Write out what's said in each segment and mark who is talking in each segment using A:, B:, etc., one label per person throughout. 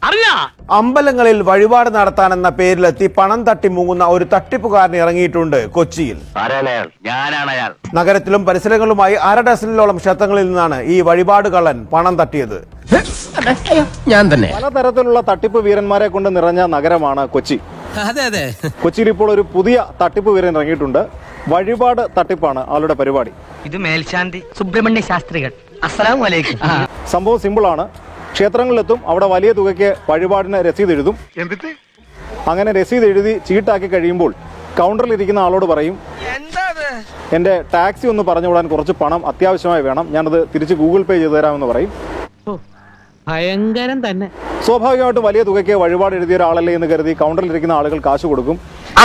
A: അമ്പലങ്ങളിൽ വഴിപാട് നടത്താനെന്ന പേരിലെത്തി പണം തട്ടി മുങ്ങുന്ന ഒരു തട്ടിപ്പുകാരൻ ഇറങ്ങിയിട്ടുണ്ട് കൊച്ചിയിൽ. നഗരത്തിലും പരിസരങ്ങളുമായി 1/2 ഡസനിലോളം ക്ഷേത്രങ്ങളിൽ നിന്നാണ് ഈ വഴിപാട് കള്ളൻ പണം തട്ടിയത്.
B: ഞാൻ തന്നെ.
C: പലതരത്തിലുള്ള തട്ടിപ്പ് വീരന്മാരെ കൊണ്ട് നിറഞ്ഞ നഗരമാണ് കൊച്ചി. കൊച്ചിയിൽ ഇപ്പോൾ ഒരു പുതിയ തട്ടിപ്പ് വീരൻ ഇറങ്ങിയിട്ടുണ്ട്. വഴിപാട് തട്ടിപ്പാണ് ആളുടെ പരിപാടി.
D: ഇത് മേൽശാന്തി സുബ്രഹ്മണ്യ ശാസ്ത്രികൾ. അസ്സലാമു അലൈക്കും.
C: സംഭവം സിമ്പിളാണ്. ക്ഷേത്രങ്ങളിലെത്തും, അവിടെ വലിയ തുകയ്ക്ക് വഴിപാടിന് രസീത് എഴുതും. അങ്ങനെ രസീത് എഴുതി ചീട്ടാക്കി കഴിയുമ്പോൾ കൗണ്ടറിൽ ഇരിക്കുന്ന ആളോട് പറയും, എന്റെ ടാക്സി ഒന്ന് പറഞ്ഞു വിടാൻ കുറച്ച് പണം അത്യാവശ്യമായി വേണം, ഞാനത് തിരിച്ച് ഗൂഗിൾ പേ ചെയ്തു തരാമെന്ന് പറയും.
D: ഭയങ്കരം തന്നെ.
C: സ്വാഭാവികമായിട്ടും വലിയ തുകയ്ക്ക് വഴിപാട് എഴുതിയ ഒരാളല്ലേ എന്ന് കരുതി കൗണ്ടറിൽ ഇരിക്കുന്ന ആളുകൾ കാശ് കൊടുക്കും.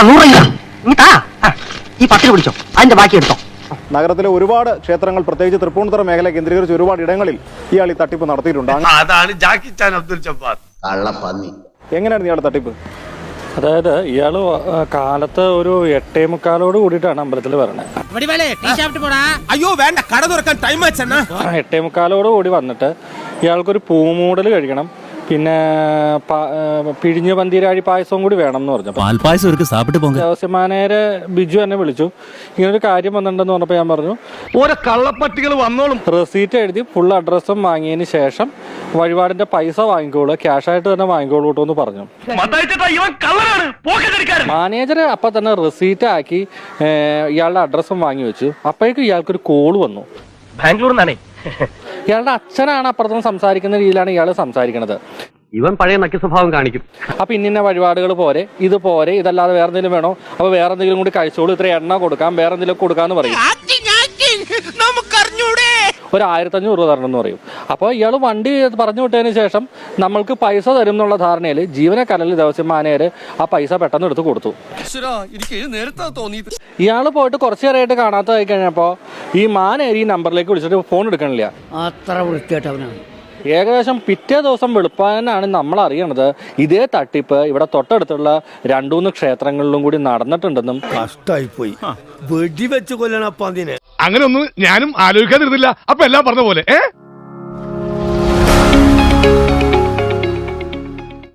C: നഗരത്തിലെ ഒരുപാട് ക്ഷേത്രങ്ങൾ, പ്രത്യേകിച്ച് തൃപ്പൂണിത്തുറ മേഖല കേന്ദ്രീകരിച്ച് ഒരുപാട് ഇടങ്ങളിൽ ഇയാൾ ഈ തട്ടിപ്പ് നടത്തിയിട്ടുണ്ട്. എങ്ങനെയാണ് ഇയാളുടെ തട്ടിപ്പ്?
E: അതായത് ഇയാള് കാലത്ത് ഒരു 8:45 കൂടിയിട്ടാണ് അമ്പലത്തിൽ വരണേ. 8:45 കൂടി വന്നിട്ട് ഇയാൾക്കൊരു പൂമൂടൽ കഴിക്കണം, പിന്നെ പിഴിഞ്ഞ പന്തീരാഴി പായസവും കൂടി വേണം എന്ന് പറഞ്ഞു. ദേവസ്വമാനേരെ ബിജു എന്നെ വിളിച്ചു, ഇങ്ങനൊരു കാര്യം വന്നിട്ടുണ്ടെന്ന് പറഞ്ഞപ്പോൾ ഞാൻ പറഞ്ഞു ഓരോ കള്ളപ്പട്ടികൾ വന്നോളും, റെസീറ്റ് എഴുതി ഫുൾ അഡ്രസ്സും വാങ്ങിയതിന് ശേഷം വഴിപാടിന്റെ പൈസ വാങ്ങിക്കോളൂ, ക്യാഷായിട്ട് തന്നെ വാങ്ങിക്കോളൂ കേട്ടോ എന്ന് പറഞ്ഞു. മാനേജർ അപ്പൊ തന്നെ റെസീറ്റ് ആക്കി ഇയാളുടെ അഡ്രസ്സും വാങ്ങി വെച്ചു. അപ്പോഴേക്കും ഇയാൾക്കൊരു കോള് വന്നു.
D: ബാംഗ്ലൂർ നിന്നാണേ.
E: ഇയാളുടെ അച്ഛനാണ് അപ്പുറത്തുനിന്ന് സംസാരിക്കുന്ന രീതിയിലാണ് ഇയാൾ സംസാരിക്കുന്നത്.
D: ഇവൻ പഴയ നക്കി സ്വഭാവം കാണിക്കും.
E: അപ്പൊ ഇന്ന വഴിപാടുകൾ പോരെ, ഇത് പോരെ, ഇതല്ലാതെ വേറെ എന്തെങ്കിലും വേണോ, അപ്പൊ വേറെ എന്തെങ്കിലും കൂടി കഴിച്ചോളൂ, ഇത്ര എണ്ണ കൊടുക്കാം, വേറെ എന്തെങ്കിലും കൊടുക്കാന്ന് പറയും. ഒരു 1500 തരണം എന്ന് പറയും. അപ്പോൾ ഇയാൾ വണ്ടി പറഞ്ഞു വിട്ടതിന് ശേഷം നമ്മൾക്ക് പൈസ തരും എന്നുള്ള ധാരണയിൽ ജീവനക്കാരിൽ ദേവസ്വമാനേര് ആ പൈസ പെട്ടെന്ന് എടുത്ത് കൊടുത്തു. ഇയാൾ പോയിട്ട് കുറച്ചു നേരമായിട്ട് കാണാത്തതായി കഴിഞ്ഞപ്പോൾ ഈ മാനേരി ഈ നമ്പറിലേക്ക് വിളിച്ചിട്ട് ഫോൺ എടുക്കണില്ല.
F: അത്ര വൃത്തിയായിട്ടവനാണ്.
E: ഏകദേശം പിറ്റേ ദിവസം വെളുപ്പാനാണ് നമ്മൾ അറിയണത് ഇതേ തട്ടിപ്പ് ഇവിടെ തൊട്ടടുത്തുള്ള 2-3 ക്ഷേത്രങ്ങളിലും കൂടി നടന്നിട്ടുണ്ടെന്നും.
B: കഷ്ടായിപ്പോയി, വെടിവെച്ച് കൊല്ലണം. അപ്പൊ അതിനെ
G: അങ്ങനെ ഒന്നും ഞാനും ആലോചിക്കാതിരുന്നില്ല. അപ്പൊ എല്ലാം പറഞ്ഞ പോലെ